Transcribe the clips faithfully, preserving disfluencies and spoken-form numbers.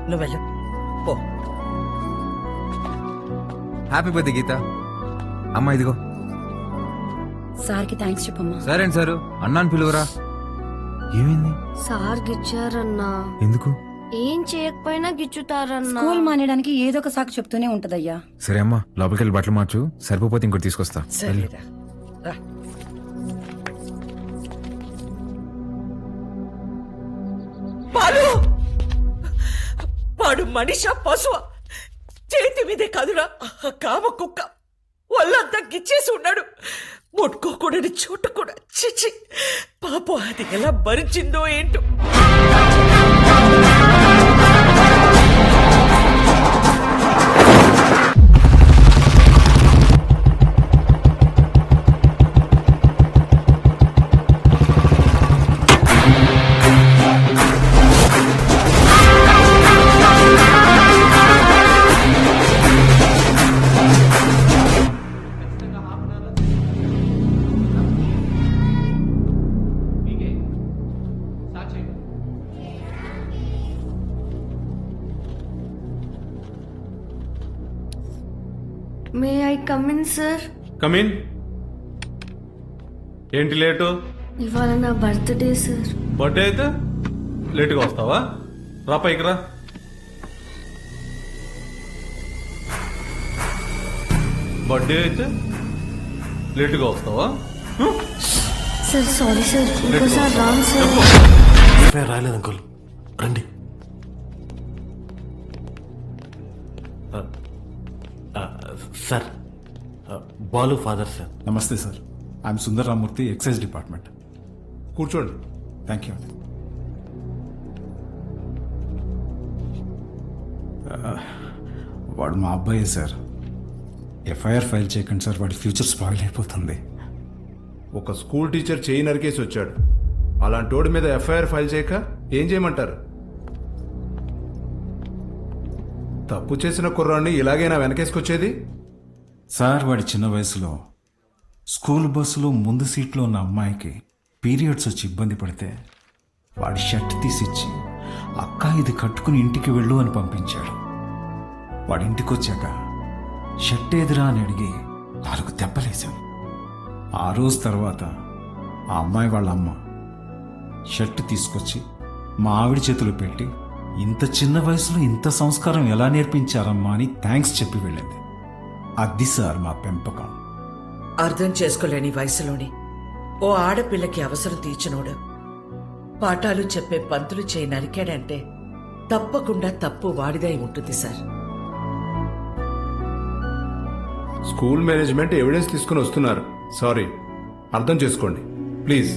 నువ్వు వెళ్ళు పో. Happy birthday Geetha. అమ్మా ఇదిగో. సార్కి థ్యాంక్స్ చెప్పమ్మా. సరే అండి సారు, అన్నాను పిలువరా. ఏమైంది? సార్ గిచ్చారన్నా. ఎందుకు? ఏం చేయకపోయినా గిచ్చుతారన్నా. స్కూల్ మానేయడానికి ఏదో ఒక సాకు చెప్తూనే ఉంటదయ్యా. సరే అమ్మా, లోపలికి వెళ్ళి బట్టలు మార్చు, సరిపోతే ఇంకోటి తీసుకొస్తా. సరేరా రా. పాలు వాడు మనిష పశువ చేతి మీదే కాదురా కామ కుక్క వాళ్ళంతా గిచ్చేసి ఉన్నాడు. ముట్టుకోకూడని చోటు కూడా చిచి పాపం అది ఎలా భరించిందో ఏంటో. May I come in sir? Come in. ఏంటి లేటు? ఇవాళ నా బర్త్డే సార్. బర్త్డే అయితే లేటుగా వస్తావా? రా పైకి రా. బర్త్డే అయితే లేటుగా వస్తావా? సార్ సారీ సార్, ఇంకోసారి రాంగ్ సార్. రాయలేదు అంకుల్, రండి. Sir, Balu father sir. నమస్తే sir, I'm Sundar Ramurthy, excise department. కూర్చోండి. Thank you. వాడు మా అబ్బాయే సార్. ఎఫ్ఐఆర్ ఫైల్ చేయకండి సార్, వాడి ఫ్యూచర్ స్పాయిల్ అయిపోతుంది. ఒక స్కూల్ టీచర్ చేయి నరికేసి వచ్చాడు. అలాంటి వాడి మీద ఎఫ్ఐఆర్ ఫైల్ చేయక ఏం చేయమంటారు? తప్పు చేసిన కుర్రాన్ని ఇలాగైనా వెనకేసుకొచ్చేది? సార్, వాడి చిన్న వయసులో స్కూల్ బస్సులో ముందు సీట్లో ఉన్న అమ్మాయికి పీరియడ్స్ వచ్చి ఇబ్బంది పడితే వాడి షర్ట్ తీసిచ్చి అక్క ఇది కట్టుకుని ఇంటికి వెళ్ళు అని పంపించాడు. వాడి ఇంటికి వచ్చాక షర్ట్ ఏదిరా అని అడిగి నాలుగు దెబ్బలేశాను. ఆ రోజు తర్వాత ఆ అమ్మాయి వాళ్ళ అమ్మ షర్ట్ తీసుకొచ్చి మా ఆవిడ చేతులు పెట్టి, ఇంత చిన్న వయసులో ఇంత సంస్కారం ఎలా నేర్పించారమ్మా అని థ్యాంక్స్ చెప్పి వెళ్ళింది. అది సార్ మా పెంపకం. అర్థం చేసుకోలేని వయసులోని ఓ ఆడపిల్లకి అవసరం తీర్చినోడు పాఠాలు చెప్పే పంతులు చేయి నరికాడంటే తప్పకుండా తప్పు వాడిదై ఉంటుంది సార్. స్కూల్ మేనేజ్మెంట్ ఎవిడెన్స్ తీసుకుని వస్తున్నారు. సారీ, అర్థం చేసుకోండి ప్లీజ్.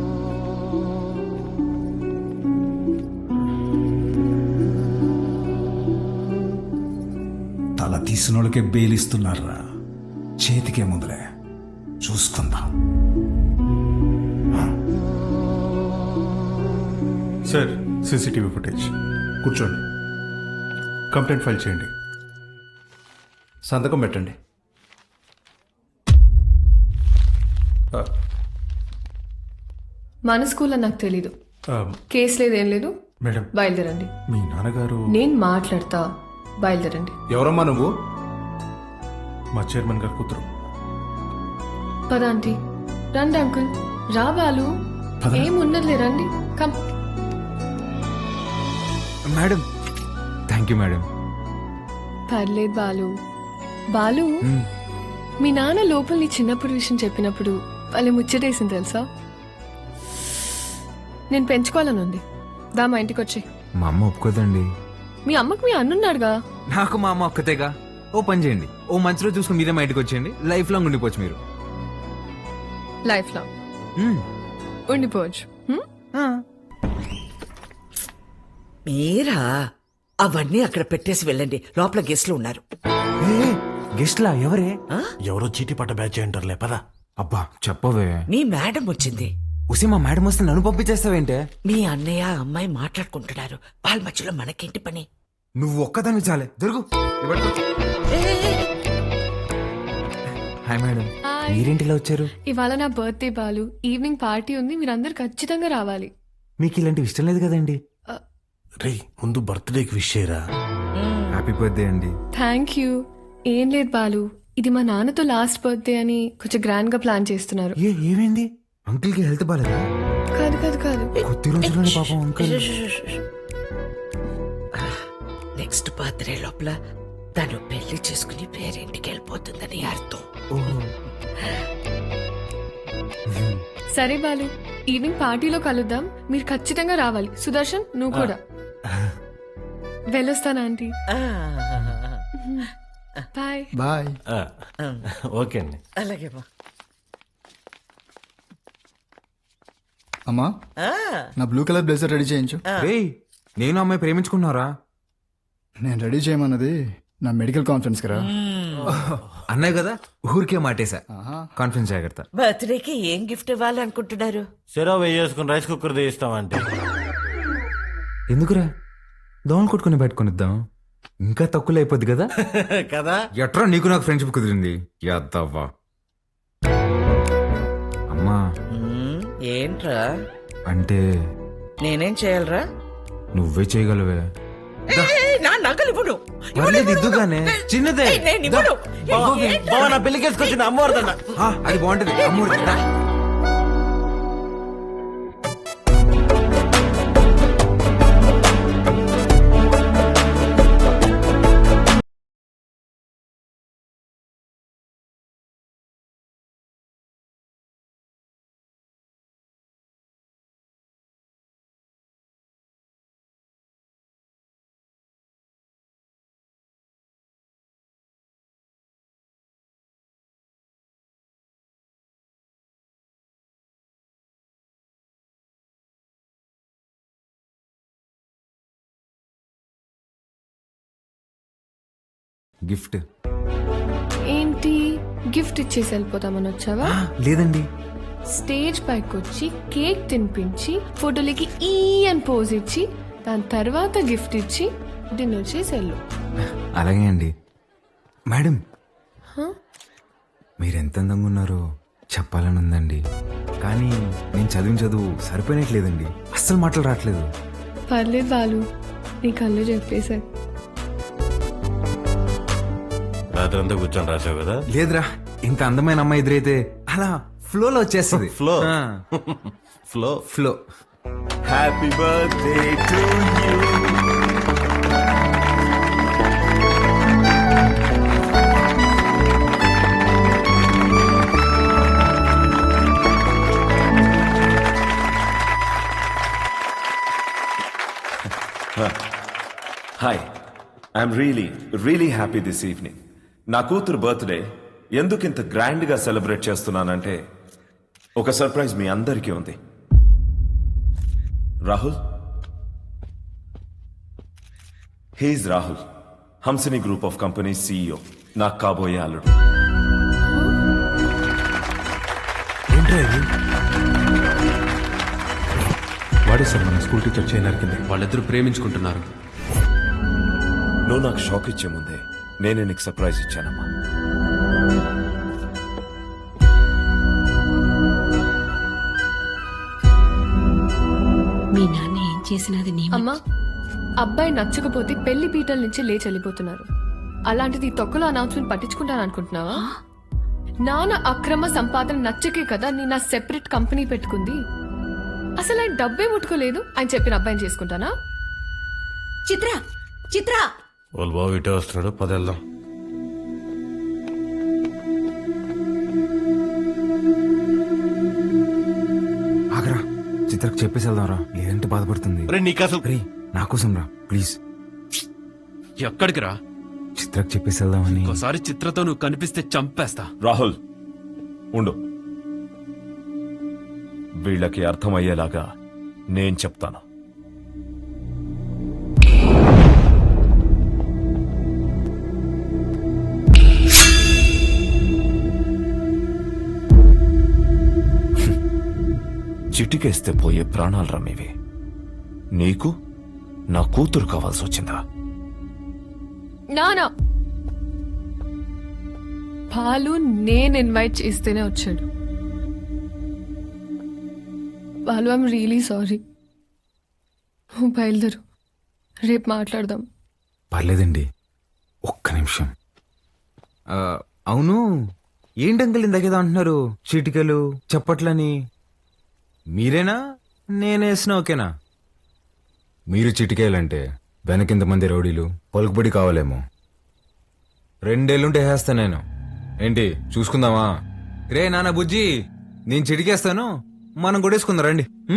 తల తీసిన వాళ్ళకే బెయిలిస్తున్నారా? చేతికే ముందులే చూసుకుందాం. Sir, CCTV footage. కూర్చోండి. కంప్లైంట్ ఫైల్ చేయండి. సంతకం పెట్టండి. మన స్కూల్లో నాకు తెలీదు. కేసు లేదు, ఏం లేదు. మేడం, బయలుదేరండి. మీ నాన్నగారు. నేను మాట్లాడతా, బయలుదేరండి. ఎవరమ్మా నువ్వు? మా చైర్మన్ గారు కూతురు. పద ఆంటీ. రండి అంకుల్. రా బాలు, ఏమున్నదిలే, రండి. Come. Madam, thank you madam. పర్లేదు బాలు. బాలు, మీ నాన్న లోపల నీ చిన్నప్పుడు విషయం చెప్పినప్పుడు వాళ్ళు ముచ్చటేసింది తెలుసా? నేను పెంచుకోవాలని ఉంది. దా మా ఇంటికి వచ్చి. మా అమ్మ ఒప్పుకోదండి. మీ అమ్మకు మీ అన్నున్నాడుగా. నాకు మా అమ్మ ఒక్కతేగా. ఓ పని చేయండి, ఓ మంచిలో చూసుకుని మీరే మా ఇంటికి వచ్చేయండి. లైఫ్ లాంగ్ ఉండిపోవచ్చు మీరు. లైఫ్ లాంగ్ మ్మ్. ఉండిపోవచ్చు. హ్మ్? మీరా అవన్నీ అక్కడ పెట్టేసి వెళ్ళండి, లోపల గెస్ట్లు ఉన్నారు. గెస్ట్లా? ఎవరే? ఎవరో చీటీ పట్ట బ్యాచ్ అంటారులే, పదా. అబ్బా చెప్పవే. మీ మేడం వచ్చింది. ఉసి మా మేడం వస్తే నన్ను పంపించేస్తావేంటే? మీ అన్నయ్య అమ్మాయి మాట్లాడుకుంటున్నారు, వాళ్ళ మధ్యలో మనకేంటి పని? నువ్వు ఒక్కదాన్ని చాలే. దొరుకు. హాయ్ మేడం, మీరేంటిలా వచ్చారు? ఇవాళ నా బర్త్డే బాలు. ఈవినింగ్ పార్టీ ఉంది, మీరందరు ఖచ్చితంగా రావాలి. మీకు ఇలాంటివి ఇష్టం లేదు కదండి. రే ముందు బర్త్డేకి విష్ చేయరా. హ్యాపీ బర్త్డే అండి. Thank you. ఏం లేదు బాలు, ఇది మా నాన్నతో లాస్ట్ బర్త్డే అని కొంచెం గ్రాండ్ గా ప్లాన్ చేస్తున్నారు. ఏ ఏమైంది? అంకుల్ కి హెల్త్ బాలేదా? కాదు కాదు కాదు కొద్ది రోజుల్లోనే పాపం అంకుల్. నెక్స్ట్ బర్త్డే లోపల తను పెళ్లి చేసుకుని పేరింటికి వెళ్ళిపోతుందని అర్థం. సరే బాలు, ఈవినింగ్ పార్టీలో కలుద్దాం. మీరు ఖచ్చితంగా రావాలి. సుదర్శన్ నువ్వు కూడా. వెళ్ళొస్తాను ఆంటీ. ఆ, బాయ్. బాయ్. ఆ, ఓకే అండి. అలాగే బా. అమ్మా, ఆ, నా బ్లూ కలర్ బ్లేజర్ రెడీ చేయించు. రేయ్, నేను అమ్మాయి ప్రేమించుకున్నారా? నేను రెడీ చేయమన్నది నా మెడికల్ కాన్ఫరెన్స్ కదా. అన్నాయి కదా, ఊరికే మాటేశా. కాన్ఫిడెన్స్ జాగ్రత్త. బర్త్డేకి ఏం గిఫ్ట్ ఇవ్వాలనుకుంటున్నారు? సెరవ్ వేసుకుని రైస్ కుక్కర్ తీస్తామంటే ఎందుకురా, దోమలు కొట్టుకుని పెట్టుకునిద్దాం, ఇంకా తక్కువ అయిపోద్ది కదా. కదా. ఎట్రా నీకు నాకు ఫ్రెండ్షిప్ కుదిరింది యాదవ్వా. అమ్మా మ్మ్, ఏంట్రా? అంటే నేనేం చేయాలరా? నువ్వే చేయగలవే. ఏయ్, నా నగలు ఇవ్వను. పర్లేదు, ఇద్దుగానే. చిన్నదే. ఏయ్, నేను ఇవ్వను. ఏయ్, ఏంట్రా? బావ నా పెళ్లికి వేసుకొచ్చింది అమ్మవారిదన్న. ఆ, అది బాగుంటది. అమ్మూరి రా. గిఫ్ట్ ఏంటి గిఫ్ట్ ఇచ్చేసి వెళ్ళిపోతామని వచ్చావా? ఆ, లేదండి. స్టేజ్ పైకి వచ్చి కేక్ తినిపించి ఫోటోలకి ఈ అని పోజ్ ఇచ్చి దాని తర్వాత గిఫ్ట్ ఇచ్చి డిన్నర్ చేసి వెళ్ళు. అలాగే అండి. మేడం, హ? మీరెంత అందంగా ఉన్నారో చెప్పాలని ఉందండి, కానీ నేను చదివిన చదువు సరిపోయినట్లేదండి. అస్సలు మాటలు రావట్లేదు. పర్లేదు బాలు, నీ కళ్ళు చెప్పేశారు. రాత్రి అంతా కూర్చొని రాసావు కదా. లేదురా, ఇంత అందమైన అమ్మాయి ఎదురైతే అలా ఫ్లోలో వచ్చేస్తుంది. Flow. ఆ, flow. Flow. Happy birthday to you. Hi, I'm really really happy this evening. నా కూతురు బర్త్డే ఎందుకు ఇంత గ్రాండ్గా సెలబ్రేట్ చేస్తున్నానంటే ఒక సర్ప్రైజ్ మీ అందరికీ ఉంది. Rahul, he's Rahul, Hamsini group of company CEO, నాకు కాబోయే అల్లుడు. ఏంట్రా ఇది? వాడే సార్ మన స్కూల్ టీచర్ చేయనర్ కింద. వాళ్ళిద్దరూ ప్రేమించుకుంటున్నారు. నువ్వు నాకు షాక్ ఇచ్చే ముందే నేనే నీకు సర్ప్రైజ్ ఇచ్చానమ్మా. మీ నాన్న ఏం చేసినది నీ అమ్మా, అబ్బాయి నచ్చకపోతే పెళ్లి పీటల నుంచి లేచి వెళ్ళిపోతున్నారు. అలాంటిది ఈ తొక్కలో అనౌన్స్మెంట్ పట్టించుకుంటాను అనుకుంటున్నావా? నాన్న అక్రమ సంపాదన నచ్చకే కదా నేను నా సెపరేట్ కంపెనీ పెట్టుకుంది. అసలు ఆయన డబ్బే ముట్టుకోలేదు, ఆయన చెప్పిన అబ్బాయిని చేసుకుంటానా? చిత్ర చిత్ర వాళ్ళు బాబు ఇటే వస్తున్నాడు, పదేళ్దాం. ఆగరా, చిత్రకు చెప్పేసి వెళ్దాంరా, లేదంటే బాధపడుతుంది. రే నీకు అసలు రే, నా కోసం రా ప్లీజ్. ఎక్కడికి రా? చిత్రకు చెప్పేసి వెళ్దామని. ఒకసారి చిత్రతో నువ్వు కనిపిస్తే చంపేస్తా. రాహుల్ ఉండు, వీళ్ళకి అర్థమయ్యేలాగా నేను చెప్తాను. చిటికేస్తే పోయే ప్రాణాలు రమ్మేవి. నీకు నా కూతురు కావాల్సి వచ్చిందా? నానా బాలు నేను ఇన్వైట్ చేస్తేనే వచ్చాడు. Balu I'm really sorry. బయలుదేరు. రేపు మాట్లాడదాం. పర్లేదండి, ఒక్క నిమిషం. ఆ, అవును, ఏంటి అంకుల్ ఇందాకేదో అంటున్నారు, చిటికలు చప్పట్లని. మీరేనా నేనేసిన ఓకేనా? మీరు చిటికేయాలంటే వెనకింతమంది రౌడీలు పలుకుబడి కావాలేమో. రెండేళ్ళుంటే వేస్తా నేను. ఏంటి చూసుకుందామా? రే నాన్న బుజ్జి, నేను చిటికేస్తాను, మనం కొట్టేసుకుందాం రండి. ఉం?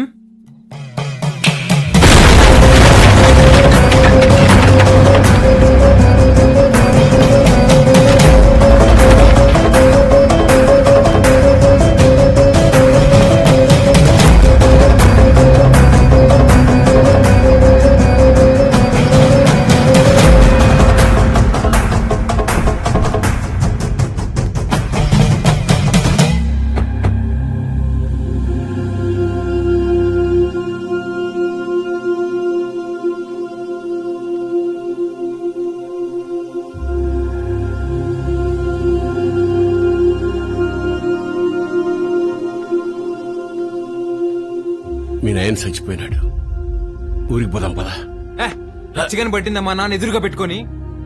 మీ నాయన చచ్చిపోయినాడు. ఊరికి పోదాం పదా. చికెన్ పట్టిందమ్మా నాన్న ఎదురుగా పెట్టుకొని.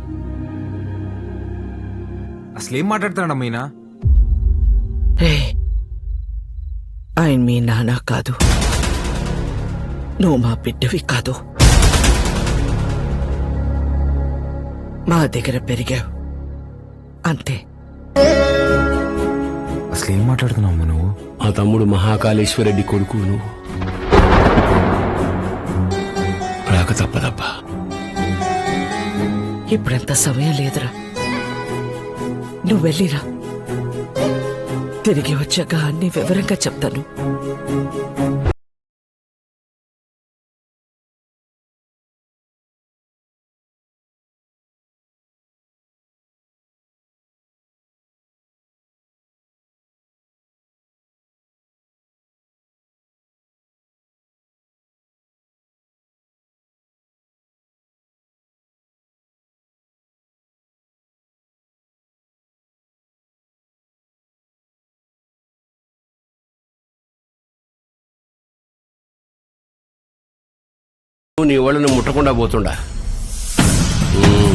అసలేం మాట్లాడుతున్నాడమ్మా ఈయన? రే, ఆయన మీ నాన్న కాదు, నువ్వు మా బిడ్డవి కాదు. మా దగ్గర పెరిగావు అంతే. అసలేం మాట్లాడుతున్నావు నువ్వు? మా తమ్ముడు మహాకాళేశ్వరరెడ్డి కొడుకు నువ్వు. రాక తప్పదబ్బా. ఇప్పుడంత సమయం లేదురా, నువ్వు వెళ్ళిరా. తిరిగి వచ్చాక అన్ని వివరంగా చెప్తాను. నీ వాళ్ళని ముట్టకుండా పోతుండా.